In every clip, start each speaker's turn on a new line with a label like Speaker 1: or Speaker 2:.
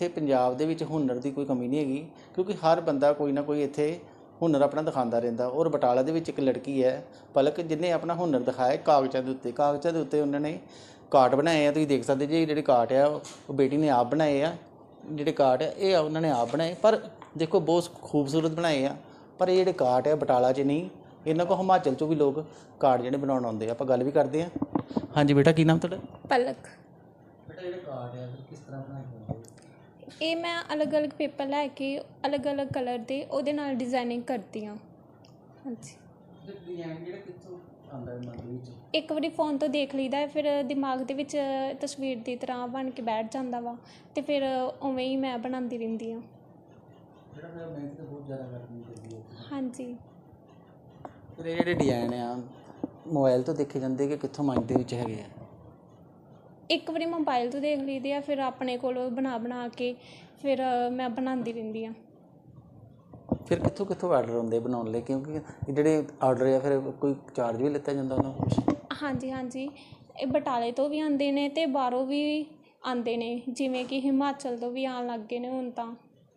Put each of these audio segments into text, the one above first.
Speaker 1: ਇੱਥੇ ਪੰਜਾਬ ਦੇ ਵਿੱਚ ਹੁਨਰ ਦੀ ਕੋਈ ਕਮੀ ਨਹੀਂ ਹੈਗੀ, ਕਿਉਂਕਿ ਹਰ ਬੰਦਾ ਕੋਈ ਨਾ ਕੋਈ ਇੱਥੇ ਹੁਨਰ ਆਪਣਾ ਦਿਖਾਉਂਦਾ ਰਹਿੰਦਾ। ਔਰ ਬਟਾਲਾ ਦੇ ਵਿੱਚ ਇੱਕ ਲੜਕੀ ਹੈ ਪਲਕ, ਜਿਹਨੇ ਆਪਣਾ ਹੁਨਰ ਦਿਖਾਇਆ ਕਾਗਜ਼ਾਂ ਦੇ ਉੱਤੇ ਉਹਨਾਂ ਨੇ ਕਾਰਟ ਬਣਾਏ ਆ। ਤੁਸੀਂ ਦੇਖ ਸਕਦੇ ਜੀ, ਜਿਹੜੇ ਕਾਰਟ ਆ ਉਹ ਬੇਟੀ ਨੇ ਆਪ ਬਣਾਏ ਆ। ਜਿਹੜੇ ਕਾਰਟ ਆ ਇਹ ਉਹਨਾਂ ਨੇ ਆਪ ਬਣਾਏ, ਪਰ ਦੇਖੋ ਬਹੁਤ ਖੂਬਸੂਰਤ ਬਣਾਏ ਆ। ਪਰ ਇਹ ਜਿਹੜੇ ਕਾਰਟ ਆ ਬਟਾਲਾ 'ਚ ਨਹੀਂ, ਇਹਨਾਂ ਕੋਲ ਹਿਮਾਚਲ 'ਚੋਂ ਵੀ ਲੋਕ ਕਾਰਟ ਜਿਹੜੇ ਬਣਾਉਣ ਆਉਂਦੇ ਆ। ਆਪਾਂ ਗੱਲ ਵੀ ਕਰਦੇ ਹਾਂ। ਹਾਂਜੀ ਬੇਟਾ, ਕੀ ਨਾਮ ਤੁਹਾਡਾ?
Speaker 2: ਪਲਕ।
Speaker 1: ਬੇਟਾ ਜਿਹੜੇ ਕਾਰਟ ਆ ਕਿਸ ਤਰ੍ਹਾਂ ਬਣਾਏ ਜਾਂਦੇ?
Speaker 2: ਇਹ ਮੈਂ ਅਲੱਗ-ਅਲੱਗ ਪੇਪਰ ਲੈ ਕੇ ਅਲੱਗ-ਅਲੱਗ ਕਲਰ ਦੇ ਉਹਦੇ ਨਾਲ ਡਿਜ਼ਾਈਨਿੰਗ ਕਰਦੀ ਹਾਂ। ਹਾਂਜੀ।
Speaker 1: ਡਿਜ਼ਾਈਨ ਜਿਹੜਾ ਕਿੱਥੋਂ ਆਉਂਦਾ ਮਨ ਦੇ ਵਿੱਚ? ਇੱਕ
Speaker 2: ਵਾਰੀ ਫ਼ੋਨ ਤੋਂ ਦੇਖ ਲਈਦਾ, ਫਿਰ ਦਿਮਾਗ ਦੇ ਵਿੱਚ ਤਸਵੀਰ ਦੀ ਤਰ੍ਹਾਂ ਬਣ ਕੇ ਬੈਠ ਜਾਂਦਾ ਵਾ, ਅਤੇ ਫਿਰ ਉਵੇਂ ਹੀ ਮੈਂ ਬਣਾਉਂਦੀ ਰਹਿੰਦੀ ਹਾਂ।
Speaker 1: ਜਿਹੜਾ ਮੇਰਾ ਮਿਹਨਤ ਤਾਂ ਬਹੁਤ ਜ਼ਿਆਦਾ ਕਰਨੀ ਪੈਂਦੀ ਹੈ।
Speaker 2: ਹਾਂਜੀ।
Speaker 1: ਫਿਰ ਇਹ ਜਿਹੜੇ ਡਿਜ਼ਾਈਨ ਆ ਮੋਬਾਈਲ ਤੋਂ ਦੇਖੇ ਜਾਂਦੇ ਕਿ ਕਿੱਥੋਂ ਮਨ ਦੇ ਵਿੱਚ ਹੈਗੇ ਆ?
Speaker 2: ਇੱਕ ਵਾਰੀ ਮੋਬਾਈਲ ਤੋਂ ਦੇਖ ਲਈਦੇ ਆ, ਫਿਰ ਆਪਣੇ ਕੋਲ ਬਣਾ ਕੇ ਫਿਰ ਮੈਂ ਬਣਾਉਂਦੀ ਰਹਿੰਦੀ ਹਾਂ।
Speaker 1: ਫਿਰ ਕਿੱਥੋਂ ਆਰਡਰ ਆਉਂਦੇ ਬਣਾਉਣ ਲਈ? ਕਿਉਂਕਿ ਜਿਹੜੇ ਆਰਡਰ ਆ ਫਿਰ ਕੋਈ ਚਾਰਜ ਵੀ ਲਿੱਤਾ ਜਾਂਦਾ ਉਹਨਾਂ ਕੋਲ?
Speaker 2: ਹਾਂਜੀ, ਇਹ ਬਟਾਲੇ ਤੋਂ ਵੀ ਆਉਂਦੇ ਨੇ ਅਤੇ ਬਾਹਰੋਂ ਵੀ ਆਉਂਦੇ ਨੇ, ਜਿਵੇਂ ਕਿ ਹਿਮਾਚਲ ਤੋਂ ਵੀ ਆਉਣ ਲੱਗ ਗਏ ਨੇ ਹੁਣ ਤਾਂ,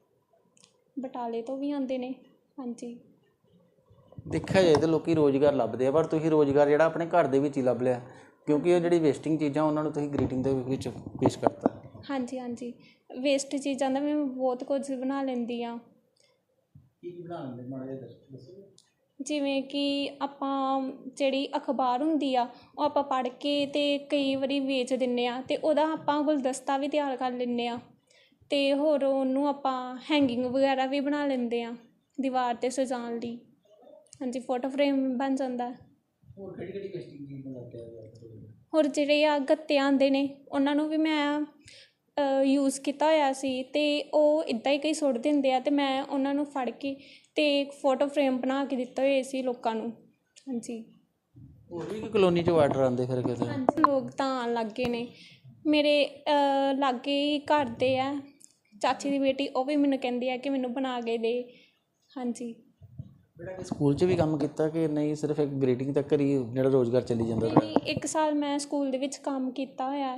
Speaker 2: ਬਟਾਲੇ ਤੋਂ ਵੀ ਆਉਂਦੇ ਨੇ। ਹਾਂਜੀ।
Speaker 1: ਦੇਖਿਆ ਜਾਏ ਤਾਂ ਲੋਕ ਰੁਜ਼ਗਾਰ ਲੱਭਦੇ ਆ, ਪਰ ਤੁਸੀਂ ਰੁਜ਼ਗਾਰ ਜਿਹੜਾ ਆਪਣੇ ਘਰ ਦੇ ਵਿੱਚ ਹੀ ਲੱਭ ਲਿਆ, ਕਿਉਂਕਿ ਉਹ ਜਿਹੜੀ ਵੇਸਟਿੰਗ ਚੀਜ਼ਾਂ ਉਹਨਾਂ ਨੂੰ ਤੁਸੀਂ ਗ੍ਰੀਟਿੰਗ ਦੇ ਵਿੱਚ ਪੇਸ਼ ਕਰਤਾ।
Speaker 2: ਹਾਂਜੀ, ਵੇਸਟ ਚੀਜ਼ਾਂ ਦਾ ਮੈਂ ਬਹੁਤ ਕੁਝ ਬਣਾ ਲੈਂਦੀ ਹਾਂ।
Speaker 1: ਕੀ ਬਣਾ ਲੈਂਦੇ ਮਾੜਾ ਜਿਹਾ ਦੱਸੋ?
Speaker 2: ਜਿਵੇਂ ਕਿ ਆਪਾਂ ਜਿਹੜੀ ਅਖਬਾਰ ਹੁੰਦੀ ਆ ਉਹ ਆਪਾਂ ਪੜ੍ਹ ਕੇ ਅਤੇ ਕਈ ਵਾਰੀ ਵੇਚ ਦਿੰਦੇ ਹਾਂ, ਅਤੇ ਉਹਦਾ ਆਪਾਂ ਗੁਲਦਸਤਾ ਵੀ ਤਿਆਰ ਕਰ ਲੈਂਦੇ ਹਾਂ, ਅਤੇ ਹੋਰ ਉਹਨੂੰ ਆਪਾਂ ਹੈਂਗਿੰਗ ਵਗੈਰਾ ਵੀ ਬਣਾ ਲੈਂਦੇ ਹਾਂ ਦੀਵਾਰ 'ਤੇ ਸਜਾਉਣ ਲਈ। ਹਾਂਜੀ, ਫੋਟੋ ਫਰੇਮ ਬਣ ਜਾਂਦਾ।
Speaker 1: ਹੋਰ ਕਿਹੜੀ ਵੇਸਟਿੰਗ ਚੀਜ਼ ਬਣਾ ਕੇ?
Speaker 2: ਹੋਰ ਜਿਹੜੇ ਆ ਗੱਤੇ ਆਉਂਦੇ ਨੇ ਉਹਨਾਂ ਨੂੰ ਵੀ ਮੈਂ ਯੂਜ਼ ਕੀਤਾ ਹੋਇਆ ਸੀ, ਅਤੇ ਉਹ ਇੱਦਾਂ ਹੀ ਕਈ ਸੁੱਟ ਦਿੰਦੇ ਆ, ਅਤੇ ਮੈਂ ਉਹਨਾਂ ਨੂੰ ਫੜ ਕੇ ਅਤੇ ਫੋਟੋ ਫਰੇਮ ਬਣਾ ਕੇ ਦਿੱਤੇ ਹੋਏ ਸੀ ਲੋਕਾਂ ਨੂੰ। ਹਾਂਜੀ।
Speaker 1: ਹੋਰ ਵੀ ਕਲੋਨੀ 'ਚੋਂ ਆਰਡਰ ਆਉਂਦੇ ਫਿਰ ਕਿਤੇ?
Speaker 2: ਹਾਂਜੀ, ਲੋਕ ਤਾਂ ਆਉਣ ਲੱਗ ਗਏ ਨੇ। ਮੇਰੇ ਲਾਗੇ ਹੀ ਘਰ ਦੇ ਆ, ਚਾਚੀ ਦੀ ਬੇਟੀ, ਉਹ ਵੀ ਮੈਨੂੰ ਕਹਿੰਦੀ ਆ ਕਿ ਮੈਨੂੰ ਬਣਾ ਕੇ ਦੇ। ਹਾਂਜੀ।
Speaker 1: ਬੇਟਾ ਸਕੂਲ 'ਚ ਵੀ ਕੰਮ ਕੀਤਾ ਕਿ ਨਹੀਂ, ਸਿਰਫ ਇੱਕ ਗ੍ਰੀਟਿੰਗ ਤੱਕ ਹੀ ਜਿਹੜਾ ਰੁਜ਼ਗਾਰ ਚੱਲੀ ਜਾਂਦਾ?
Speaker 2: ਨਹੀਂ, 1 ਸਾਲ ਮੈਂ ਸਕੂਲ ਦੇ ਵਿੱਚ ਕੰਮ ਕੀਤਾ ਹੋਇਆ।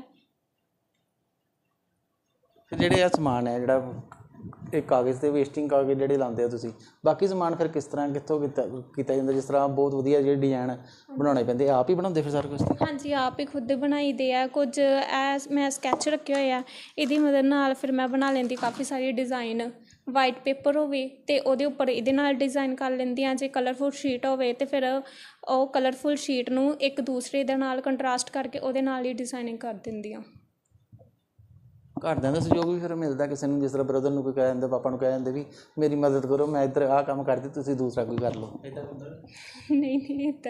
Speaker 1: ਫਿਰ ਜਿਹੜੇ ਆ ਸਮਾਨ ਹੈ ਜਿਹੜਾ ਇਹ ਕਾਗਜ਼ 'ਤੇ ਵੇਸਟਿੰਗ ਕਾਗਜ਼ ਜਿਹੜੇ ਲਾਉਂਦੇ ਹੋ ਤੁਸੀਂ, ਬਾਕੀ ਸਮਾਨ ਫਿਰ ਕਿਸ ਤਰ੍ਹਾਂ ਕਿੱਥੋਂ ਕੀਤਾ ਜਾਂਦਾ? ਜਿਸ ਤਰ੍ਹਾਂ ਬਹੁਤ ਵਧੀਆ ਜਿਹੜੇ ਡਿਜ਼ਾਈਨ ਬਣਾਉਣੇ ਪੈਂਦੇ, ਆਪ ਹੀ ਬਣਾਉਂਦੇ ਫਿਰ ਸਾਰਾ ਕੁਛ?
Speaker 2: ਹਾਂਜੀ, ਆਪ ਹੀ ਖੁਦ ਬਣਾਈਦੇ ਆ। ਕੁਝ ਮੈਂ ਸਕੈਚ ਰੱਖੇ ਹੋਏ ਆ, ਇਹਦੀ ਮਦਦ ਨਾਲ ਫਿਰ ਮੈਂ ਬਣਾ ਲੈਂਦੀ ਕਾਫੀ ਸਾਰੇ ਡਿਜ਼ਾਈਨ। ਵਾਈਟ ਪੇਪਰ ਹੋਵੇ ਅਤੇ ਉਹਦੇ ਉੱਪਰ ਇਹਦੇ ਨਾਲ ਡਿਜ਼ਾਈਨ ਕਰ ਲੈਂਦੀ ਹਾਂ। ਜੇ ਕਲਰਫੁਲ ਸ਼ੀਟ ਹੋਵੇ ਅਤੇ ਫਿਰ ਉਹ ਕਲਰਫੁਲ ਸ਼ੀਟ ਨੂੰ ਇੱਕ ਦੂਸਰੇ ਦੇ ਨਾਲ ਕੰਟਰਾਸਟ ਕਰਕੇ ਉਹਦੇ ਨਾਲ ਹੀ ਡਿਜ਼ਾਇਨਿੰਗ ਕਰ ਦਿੰਦੀ ਹਾਂ।
Speaker 1: ਘਰਦਿਆਂ ਦਾ ਸਹਿਯੋਗ ਵੀ ਫਿਰ ਮਿਲਦਾ ਕਿਸੇ ਨੂੰ? ਜਿਸ ਤਰ੍ਹਾਂ ਬ੍ਰਦਰ ਨੂੰ ਕੋਈ ਕਹਿ ਦਿੰਦੇ, ਪਾਪਾ ਨੂੰ ਕਹਿ ਦਿੰਦੇ ਵੀ ਮੇਰੀ ਮਦਦ ਕਰੋ, ਮੈਂ ਇੱਧਰ ਆਹ ਕੰਮ ਕਰਦੀ, ਤੁਸੀਂ ਦੂਸਰਾ ਕੋਈ ਕਰ ਲਓ, ਇੱਦਾਂ ਹੁੰਦਾ?
Speaker 2: ਨਹੀਂ ਇੱਦਾਂ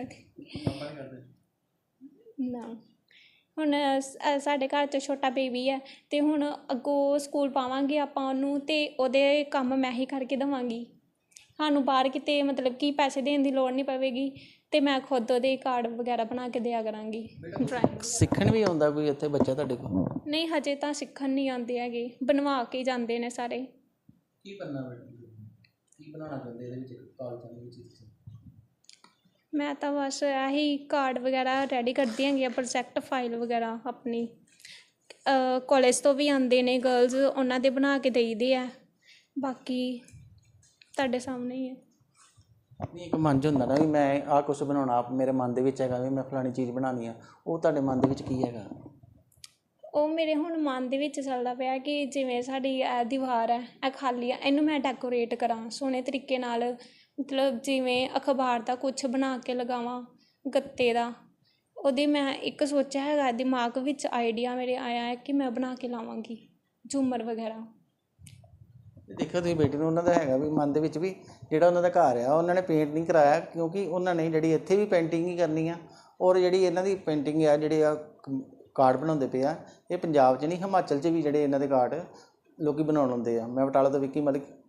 Speaker 2: ਨਾ। ਹੁਣ ਸਾਡੇ ਘਰ 'ਚ ਛੋਟਾ ਬੇਬੀ ਹੈ, ਅਤੇ ਹੁਣ ਅੱਗੋਂ ਸਕੂਲ ਪਾਵਾਂਗੇ ਆਪਾਂ ਉਹਨੂੰ, ਅਤੇ ਉਹਦੇ ਕੰਮ ਮੈਂ ਹੀ ਕਰਕੇ ਦੇਵਾਂਗੀ। ਸਾਨੂੰ ਬਾਹਰ ਕਿਤੇ ਮਤਲਬ ਕਿ ਪੈਸੇ ਦੇਣ ਦੀ ਲੋੜ ਨਹੀਂ ਪਵੇਗੀ, ਅਤੇ ਮੈਂ ਖੁਦ ਉਹਦੇ ਕਾਰਡ ਵਗੈਰਾ ਬਣਾ ਕੇ ਦਿਆ ਕਰਾਂਗੀ। ਡਰਾਇੰਗ
Speaker 1: ਸਿੱਖਣ ਵੀ ਆਉਂਦਾ ਕੋਈ ਇੱਥੇ ਬੱਚਾ ਤੁਹਾਡੇ ਕੋਲ?
Speaker 2: ਨਹੀਂ, ਹਜੇ ਤਾਂ ਸਿੱਖਣ ਨਹੀਂ ਆਉਂਦੇ ਹੈਗੇ, ਬਣਵਾ ਕੇ ਜਾਂਦੇ ਨੇ ਸਾਰੇ।
Speaker 1: ਕੀ ਕਰਨਾ ਕੀ ਬਣਾਉਣਾ ਚਾਹੁੰਦੇ ਇਹਦੇ ਵਿੱਚ ਕਾਗਜ਼ਾਂ ਦੇ ਵਿੱਚ?
Speaker 2: ਮੈਂ ਤਾਂ ਬਸ ਇਹੀ ਕਾਰਡ ਵਗੈਰਾ ਰੈਡੀ ਕਰਦੀ ਹੈਗੀ ਆ, ਪ੍ਰੋਜੈਕਟ ਫਾਈਲ ਵਗੈਰਾ ਆਪਣੀ। ਕਾਲਜ ਤੋਂ ਵੀ ਆਉਂਦੇ ਨੇ ਗਰਲਜ਼, ਉਹਨਾਂ ਦੇ ਬਣਾ ਕੇ ਦੇਈਦੇ ਆ। ਬਾਕੀ ਤੁਹਾਡੇ ਸਾਹਮਣੇ ਹੀ ਹੈ।
Speaker 1: ਨਹੀਂ, ਇੱਕ ਮਨ 'ਚ ਹੁੰਦਾ ਨਾ ਵੀ ਮੈਂ ਆਹ ਕੁਛ ਬਣਾਉਣਾ, ਮੇਰੇ ਮਨ ਦੇ ਵਿੱਚ ਹੈਗਾ ਵੀ ਮੈਂ ਫਲਾਣੀ ਚੀਜ਼ ਬਣਾਉਣੀ ਆ, ਉਹ ਤੁਹਾਡੇ ਮਨ ਦੇ ਵਿੱਚ ਕੀ ਹੈਗਾ?
Speaker 2: ਉਹ ਮੇਰੇ ਹੁਣ ਮਨ ਦੇ ਵਿੱਚ ਚੱਲਦਾ ਪਿਆ ਕਿ ਜਿਵੇਂ ਸਾਡੀ ਇਹ ਦੀਵਾਰ ਹੈ, ਇਹ ਖਾਲੀ ਆ, ਇਹਨੂੰ ਮੈਂ ਡੈਕੋਰੇਟ ਕਰਾਂ ਸੋਹਣੇ ਤਰੀਕੇ ਨਾਲ, ਮਤਲਬ ਜਿਵੇਂ ਅਖਬਾਰ ਦਾ ਕੁਛ ਬਣਾ ਕੇ ਲਗਾਵਾਂ, ਗੱਤੇ ਦਾ। ਉਹਦੀ ਮੈਂ ਇੱਕ ਸੋਚਿਆ ਹੈਗਾ ਦਿਮਾਗ ਵਿੱਚ, ਆਈਡੀਆ ਮੇਰੇ ਆਇਆ ਹੈ ਕਿ ਮੈਂ ਬਣਾ ਕੇ ਲਾਵਾਂਗੀ ਝੂਮਰ ਵਗੈਰਾ।
Speaker 1: ਦੇਖਿਓ ਤੁਸੀਂ ਬੇਟੀ ਨੂੰ, ਉਹਨਾਂ ਦਾ ਹੈਗਾ ਵੀ ਮਨ ਦੇ ਵਿੱਚ ਵੀ ਜਿਹੜਾ ਉਹਨਾਂ ਦਾ ਘਰ ਆ ਉਹਨਾਂ ਨੇ ਪੇਂਟ ਨਹੀਂ ਕਰਾਇਆ, ਕਿਉਂਕਿ ਉਹਨਾਂ ਨੇ ਜਿਹੜੀ ਇੱਥੇ ਵੀ ਪੇਂਟਿੰਗ ਹੀ ਕਰਨੀ ਆ। ਔਰ ਜਿਹੜੀ ਇਹਨਾਂ ਦੀ ਪੇਂਟਿੰਗ ਆ, ਜਿਹੜੇ ਆ ਕਾਰਡ ਬਣਾਉਂਦੇ ਪਏ ਆ, ਇਹ ਪੰਜਾਬ 'ਚ ਨਹੀਂ ਹਿਮਾਚਲ 'ਚ ਵੀ ਜਿਹੜੇ ਇਹਨਾਂ ਦੇ ਕਾਰਡ ਲੋਕ ਬਣਾਉਣ ਆਉਂਦੇ ਆ। ਮੈਂ ਬਟਾਲਾ ਤੋਂ ਵਿੱਕੀ ਮਲਿਕ,